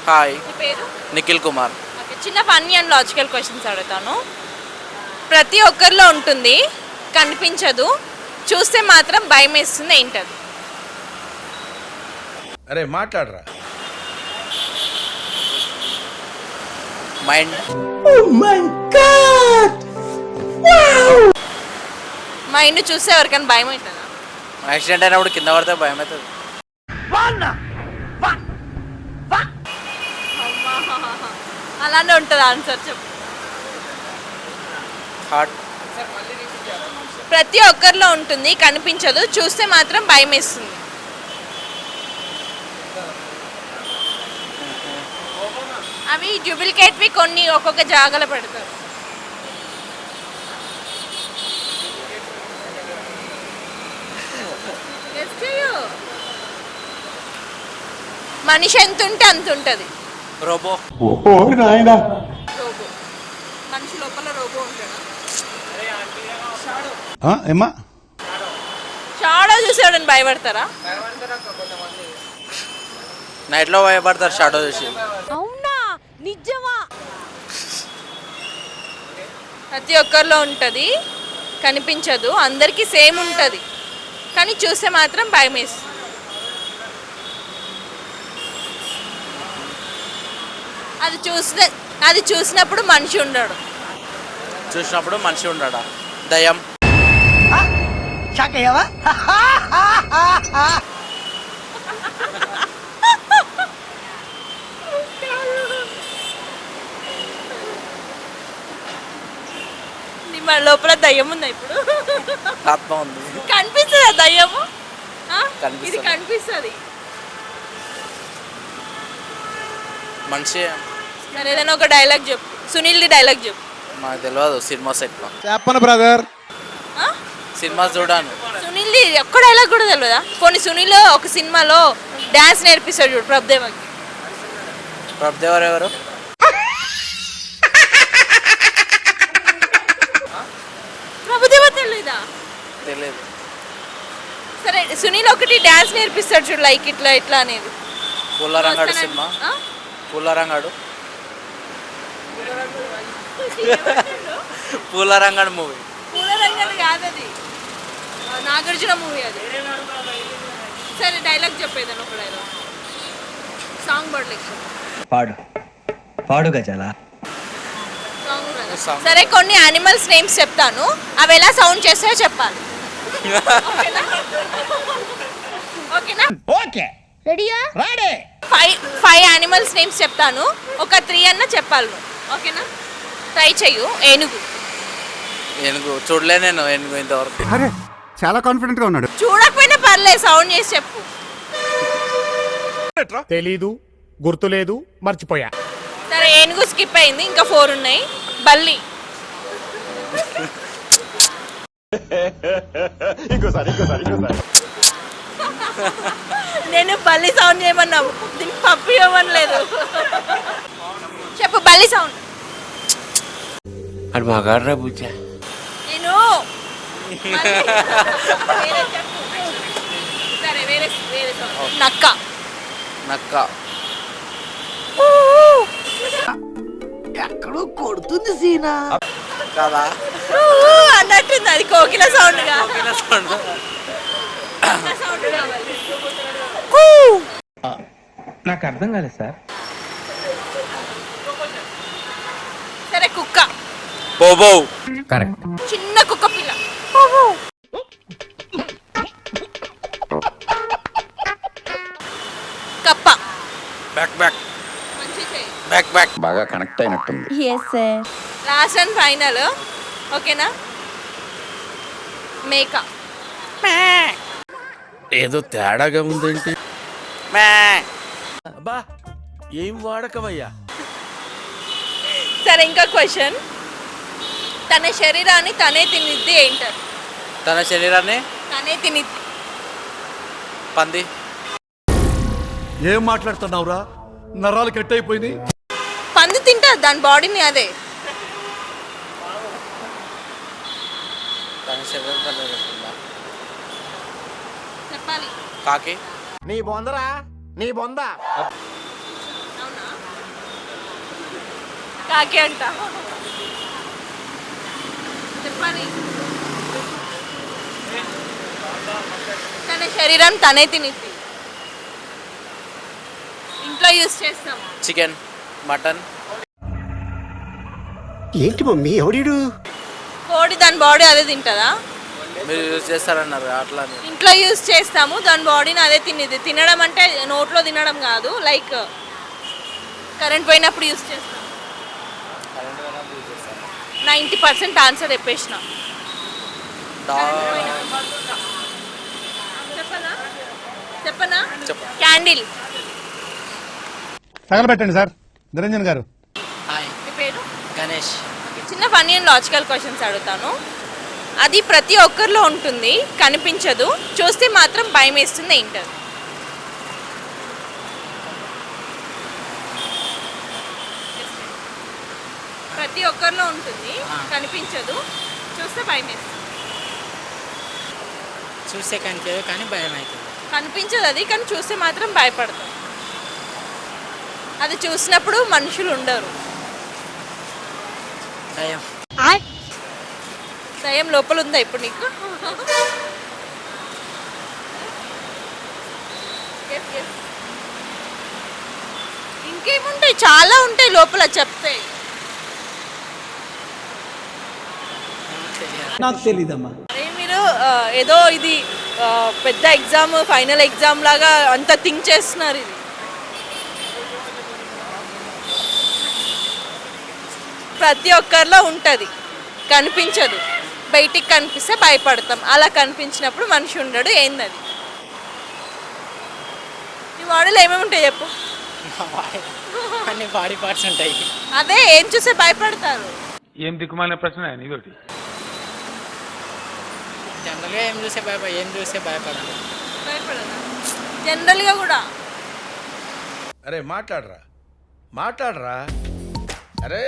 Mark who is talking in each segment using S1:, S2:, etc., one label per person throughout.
S1: Hi,
S2: మీ పేరు?
S1: Nikhil Kumar.
S2: Okay, చిన్న ఫన్నీ అండ్ లాజికల్ క్వశ్చన్స్ అడుగుతాను. ప్రతి ఒక్కరిలో ఉంటుంది, కనిపించదు, చూస్తే మాత్రం భయం వేస్తుంది, ఏంటది?
S3: అరే మాట్లాడరా.
S1: మైండ్.
S2: మైండ్ చూస్తే ఎవరికైనా భయం అవుతుందా?
S1: యాక్సిడెంట్ అయినప్పుడు కింద పడితే భయం అవుతుంది.
S2: అలానే ఉంటుంది ఆన్సర్, చెప్పు.
S1: హార్ట్.
S2: ప్రతి ఒక్కరిలో ఉంటుంది, కనిపించదు, చూస్తే మాత్రం భయం వేస్తుంది. అవి డూప్లికేట్వి, కొన్ని ఒక్కొక్క జాగాలో పెడతారు. Guess చెయ్యు. మనిషి ఎంత ఉంటే అంత ఉంటుంది.
S1: రోబో.
S2: రోబో. మనిషి లోపల రోబో ఉంటాడా?
S3: ఏమా
S2: షాడో చూసేవాడని భయపడతారా?
S1: నైట్లో భయపడతారు షాడో చూసి.
S2: అవునా, నిజమా? ప్రతి ఒక్కరిలో ఉంటుంది, కనిపించదు, అందరికీ సేమ్ ఉంటుంది, కానీ చూస్తే మాత్రం భయం వేస్తుంది. అది చూసినప్పుడు మనిషి ఉండడు.
S1: చూసినప్పుడు మనిషి ఉండడా? దయ్యం.
S2: మన లోపల దయ్యం ఉందా ఇప్పుడు?
S1: ఆత్మ ఉంది.
S2: కనిపిస్తుందా దయ్యము?
S1: కనిపిస్తుంది.
S2: ఇది కనిపిస్తుంది.
S1: మనిషి.
S2: సరే, ఏదైనా ఒక డైలాగ్ చెప్పు, సునీల్ది డైలాగ్ చెప్పు.
S1: నాకు తెలియదు సినిమా సెట్లో.
S3: చెప్పను బ్రదర్.
S1: సినిమా చూడాను.
S2: సునీల్ది ఒక్క డైలాగ్ కూడా తెలియదా? కొన్ని సునీల్ ఒక సినిమాలో డాన్స్ నేర్పిస్తాడు చూడు ప్రభుదేవకి.
S1: ప్రభుదేవర్ ఎవరు?
S2: ప్రభుదేవ తెలీదా?
S1: తెలియదు.
S2: సరే, సునీల్ ఒకటి డాన్స్ నేర్పిస్తాడు చూడు, లైక్ ఇట్లా ఇట్లా అనేది.
S1: పుల్లరంగాడు సినిమా. పుల్లరంగాడు. పూలరంగడు మూవీ.
S2: పూలరంగడు కాదు, అది నాగార్జున మూవీ అది. సరే, డైలాగ్ చెప్పేదాన్ని, ఒక డైలాగ్, సాంగ్
S4: పాడు గజాలా.
S2: సాంగ్. సరే, కొన్ని యానిమల్స్ నేమ్స్ చెప్తాను, అవి ఎలా సౌండ్ చేస్తాయో చెప్పాలి. ఓకేనా?
S4: ఓకే,
S2: రెడీయా?
S4: రెడీ.
S2: ఫైవ్ యానిమల్స్ నేమ్స్ చెప్తాను, ఒక 3 అన్న చెప్పాలి నువ్వు. ఓకేనా? ట్రై చెయ్యు. ఏనుగు.
S1: ఏనుగు చూడలే నేను. ఏనుగు ఇంతవరకు.
S3: అరే చాలా కాన్ఫిడెంట్ గా ఉన్నాడు.
S2: చూడకపోయినా పర్లేదు, సౌండ్ చేసి చెప్పు.
S5: తెలీదు, గుర్తులేదు, మర్చిపోయా.
S2: సరే, ఏనుగు స్కిప్ అయింది, ఇంకా 4 ఉన్నాయి. బల్లి. నేను బల్లి సౌండ్ చేయమన్నావు, దీనికి పప్పు ఇవ్వమనలేదు. చెప్పు బల్లి సౌండ్.
S6: అది మగాడ్రా బుజ్జా.
S2: నేను వేరే చెప్పు. సరే, వేరే సౌండ్. నక్క.
S1: నక్క.
S4: ఎక్కడో కొడుతుంది సీనా
S1: కదా
S2: అన్నట్టుంది, అది కోకిల సౌండ్ గా.
S4: నాకు అర్థం కాలేదు సార్.
S2: సరే, కుక్క.
S1: బోబో.
S4: కరెక్ట్.
S2: చిన్న కుక్క పిల్ల. కప్ప.
S1: Back back.
S2: మంచి చెయ్యి.
S1: Back back.
S3: బాగా కనెక్ట్ అయినట్టుంది.
S2: Last and final. ఓకేనా? మేక.
S6: ఏదో తేడాగా ఉందేంటి?
S1: మే.
S6: అబ్బా, ఏం వాడకమయ్యా.
S2: సరే, ఇంకా క్వశ్చన్. తన శరీరాన్ని తనే తినిద్ది, ఏంటారు?
S1: తన శరీరాన్ని
S2: తనే తినిద్ది.
S1: పంది.
S3: ఏం మాట్లాడుతున్నావురా? నరాలు కట్ అయిపోయింది.
S2: పంది తింటారు దాని బాడీని, అదే.
S1: తన శరీరం తన తింటుందా?
S2: చెప్పాలి.
S1: కాకి.
S5: నీ బొందరా, నీ బొంద.
S2: అవునా? కాకి అంట. చెప్పాలి. తన శరీరం తనే తినిద్ది. ఇంట్లో యూస్ చేస్తాం.
S1: Chicken, mutton.
S3: ఏంటి మమ్మీ ఎవడీడు?
S2: కోడి దాని బాడీ అదే తింటుందా?
S1: మీరు యూజ్ చేస్తారన్నారు అట్లా అని.
S2: ఇంట్లో యూస్ చేస్తాము, దాని బాడీని అదే తినేది. తినడం అంటే నోట్లో తినడం కాదు, లైక్ కరెంట్ పోయినప్పుడు యూస్ చేస్తాం. 90% ఆన్సర్ చెప్పేసిన. చెప్పనా? క్యాండిల్.
S3: తగలబెట్టండి సార్ నిరంజన్ గారు.
S1: హాయ్,
S2: మీ పేరు?
S1: గణేష్.
S2: చిన్న ఫన్నీ అండ్ లాజికల్ క్వశ్చన్స్ అడుగుతాను. అది ప్రతి ఒక్కరిలో ఉంటుంది, కనిపించదు, చూస్తే మాత్రం భయం వేస్తుంది. ఏంటది? ప్రతి ఒక్కరిలో ఉంటుంది, కనిపించదు, చూస్తే భయం వేస్తుంది.
S1: చూస్తే కనిపించదు కానీ భయం అవుతుంది.
S2: కనిపించదు అది, కానీ చూస్తే మాత్రం భయపడతాం. అది చూసినప్పుడు మనుషులు ఉండరు.
S1: భయం.
S2: దయ్యం లోపల ఉందా ఇప్పుడు నీకు? ఇంకేముంటాయి, చాలా ఉంటాయి లోపల చెప్తే.
S4: నాకు తెలీదమ్మా.
S2: అరే మీరు ఏదో ఇది పెద్ద ఎగ్జామ్, ఫైనల్ ఎగ్జామ్ లాగా అంత థింక్ చేస్తున్నారు. ఇది ప్రతి ఒక్కరిలో ఉంటుంది, కనిపించదు, బయటికి కనిపిస్తే భయపడతాం. అలా కనిపించినప్పుడు మనిషి ఉండడు. ఏందది? ఈ బాడీలో ఏమేమి ఉంటాయి చెప్పు.
S1: అన్ని బాడీ పార్ట్స్ ఉంటాయి.
S2: అదే ఏం చూస్తే భయపడతారు.
S5: ఏం దిక్కుమాలిన ప్రశ్న ఇదొకటి.
S1: జనరల్గా ఏం చూస్తే భయపడాలి.
S2: భయపడదా? జనరల్గా కూడా
S6: అరే మాట్లాడరా, మాట్లాడరా. అరే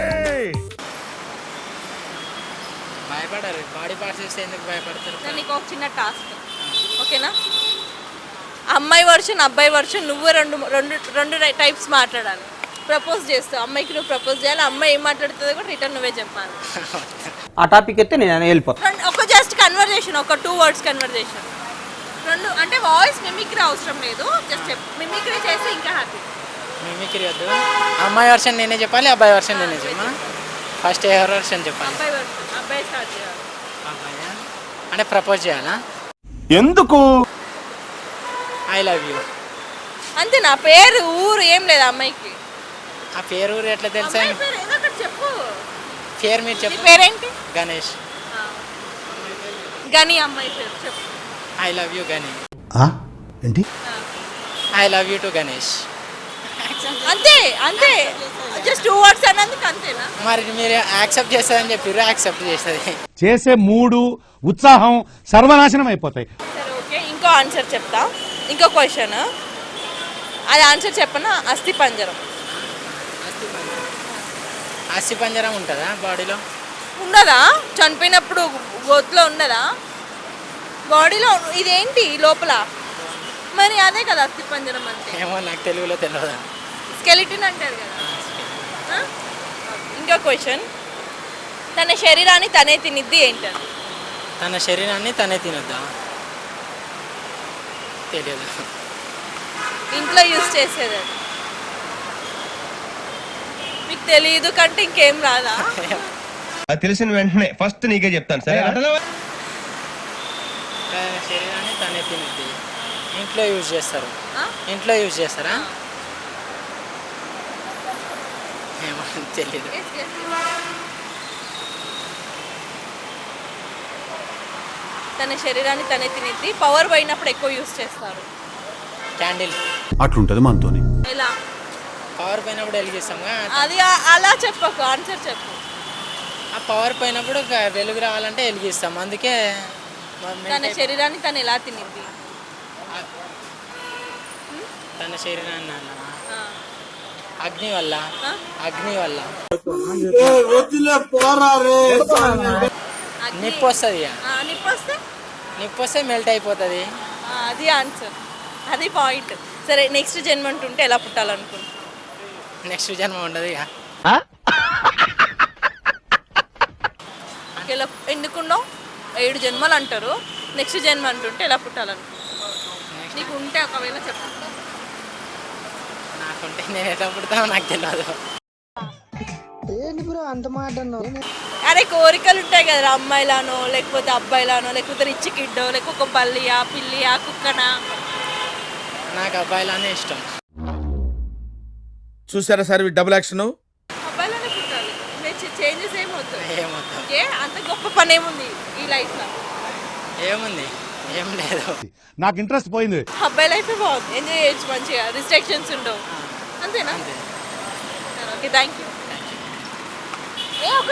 S1: భయపడారు. బాడీ పార్ట్స్ చూస్తే ఎందుకు భయపడతారు?
S2: నీకు ఒక చిన్న టాస్క్, ఓకేనా? అమ్మాయి వర్షన్, అబ్బాయి వర్షన్, నువ్వు రెండు రెండు రెండు టైప్స్ మాట్లాడాలి. ప్రపోజ్ చేస్తావు, అమ్మాయికి నువ్వు ప్రపోజ్ చేయాలి. అమ్మాయి ఏం మాట్లాడుతుందో కూడా రిటర్న్ నువ్వే చెప్పాలి.
S4: ఆ టాపిక్ అయితే నేను వెళ్ళిపోతాను.
S2: ఒక జస్ట్ కన్వర్జేషన్, ఒక 2 words కన్వర్జేషన్. రెండు అంటే వాయిస్ మిమిక్రీ అవసరం లేదు, జస్ట్ మిమిక్రీ చేస్తే ఇంకా హ్యాపీ.
S1: మిమిక్రీ వద్దు. అమ్మాయి వర్షన్ నేనే చెప్పాలి, అబ్బాయి వర్షన్ నేనే చెప్పాలి. ఫస్ట్ ఎవరి వర్షన్ చెప్పాలి?
S2: అబ్బాయి వర్షన్. అబ్బాయి స్టార్ట్ చేయాలి.
S1: అబ్బాయి అంటే ప్రపోజ్ చేయాలా?
S3: ఎందుకు?
S1: I love you.
S2: అంతే. నా పేరు, ఊరు ఏం లేదు అమ్మాయికి.
S1: ఆ పేరు ఊరు ఎట్లా తెలుసా?
S2: అమ్మాయి పేరు ఏదో ఒకటి చెప్పు.
S1: పేరు మీరు
S2: నీ
S1: చెప్పు.
S2: పేరేంటి?
S1: గణేష్.
S2: గని అమ్మాయి పేరు చెప్పు.
S1: I love you Ganesh.
S3: ఏంటి?
S1: I love you too Ganesh.
S2: అంతే అంతే, జస్ట్ 2 words అన్నందుకు అంతేనా?
S1: మరి మీరు యాక్సెప్ట్ చేస్తారని చెప్పారు, యాక్సెప్ట్ చేస్తుంది.
S3: చేసే మూడు ఉత్సాహం సర్వనాశనం అయిపోతాయి.
S2: సరే ఓకే, ఇంకో ఆన్సర్ చెప్తా. ఇంకో క్వశ్చన్, అది ఆన్సర్ చెప్పనా? అస్థి పంజరం.
S1: అస్థి పంజరం ఉంటుందా బాడీలో?
S2: ఉండదా? చనిపోయినప్పుడు గోతులో ఉండదా బాడీలో? ఇదేంటి లోపల? మరి అదే కదా అస్థి పంజరం అంటే.
S1: ఏమో నాకు తెలుగులో తెలియదు.
S2: స్కెలిటన్ అంటారు కదా. ఇంకో క్వశ్చన్, తన శరీరాన్ని తనే తినిద్ది ఏంటది?
S1: తన శరీరాన్ని తనే తినొద్దా? తెలియదు.
S2: ఇంట్లో యూజ్ చేసేది అది. మీకు తెలియదు కంటే ఇంకేం రాదా?
S7: అది తెలిసిన వెంటనే ఫస్ట్ నీకే చెప్తాను సరే.
S1: తన శరీరాన్ని తనే తినొద్ది. ఇంట్లో యూజ్ చేస్తారు.
S2: ఆ?
S1: ఇంట్లో యూజ్ చేస్తారా? ఏమో తెలియదు.
S2: తన శరీరాన్ని తనే తినిద్ది, పవర్ పోయినప్పుడు ఎక్కువ యూజ్ చేస్తారు.
S1: క్యాండిల్.
S3: అట్లుంటది మనతోని.
S2: ఎలా?
S1: పవర్ పోయినప్పుడు వెలిగిస్తాంగా.
S2: అది అలా చెప్పకు, ఆన్సర్ చెప్పు.
S1: ఆ పవర్ పోయినప్పుడు వెలుగు రావాలంటే వెలిగిస్తాం, అందుకే.
S2: తన శరీరాన్ని తను ఎలా తినిద్ది?
S1: తన శరీరాన్ని అన్నానా?
S2: ఆ.
S1: అగ్ని వల్ల.
S2: ఆ?
S1: అగ్ని వల్ల
S2: అగ్ని.
S1: నిప్పు వస్తుంది.
S2: నిప్పు వస్తే?
S1: నిప్పు వస్తే మెల్ట్ అయిపోతుంది.
S2: అది ఆన్సర్, అది పాయింట్. సరే, నెక్స్ట్ జన్మ ఉంటుంటే ఎలా పుట్టాలనుకుంటున్నావు?
S1: నెక్స్ట్ జన్మ ఉండదు ఇక.
S2: ఇలా ఎందుకున్నావు 7 జన్మలు అంటారు, నెక్స్ట్ జన్మ అంటుంటే ఎలా పుట్టాలనుకుంటున్నావు? నీకు ఉంటే ఒకవేళ చెప్పు.
S1: నాకుంటే నేను ఎట్లా పుడతానో నాకు తెలియదు.
S2: అరే కోరికలు ఉంటాయి కదా, అమ్మాయిలానో లేకపోతే అబ్బాయిలానో లేకపోతే రిచ్ కిడ్డో లేకపోతే ఒక బల్లియా పిల్లియా కుక్కనా?
S1: నాకు అబ్బాయిలానే ఇష్టం.
S6: చూసారా సార్ డబుల్ యాక్షన్?
S2: అబ్బాయిలానే పుట్టాలి, చేంజెస్ ఏమవుతాయి?
S1: ఏమవుతాం,
S2: ఏ అంత గొప్ప పని ఏముంది ఈ లైఫ్లో?
S1: ఏముంది, ఏం లేదు.
S3: నాకు ఇంట్రెస్ట్ పోయింది.
S2: అబ్బాయి లైఫే బాగుంది, ఎంజాయ్ చేయొచ్చు మంచిగా, రిస్ట్రిక్షన్స్ ఉండవు. అంతేనా? Okay, thank you.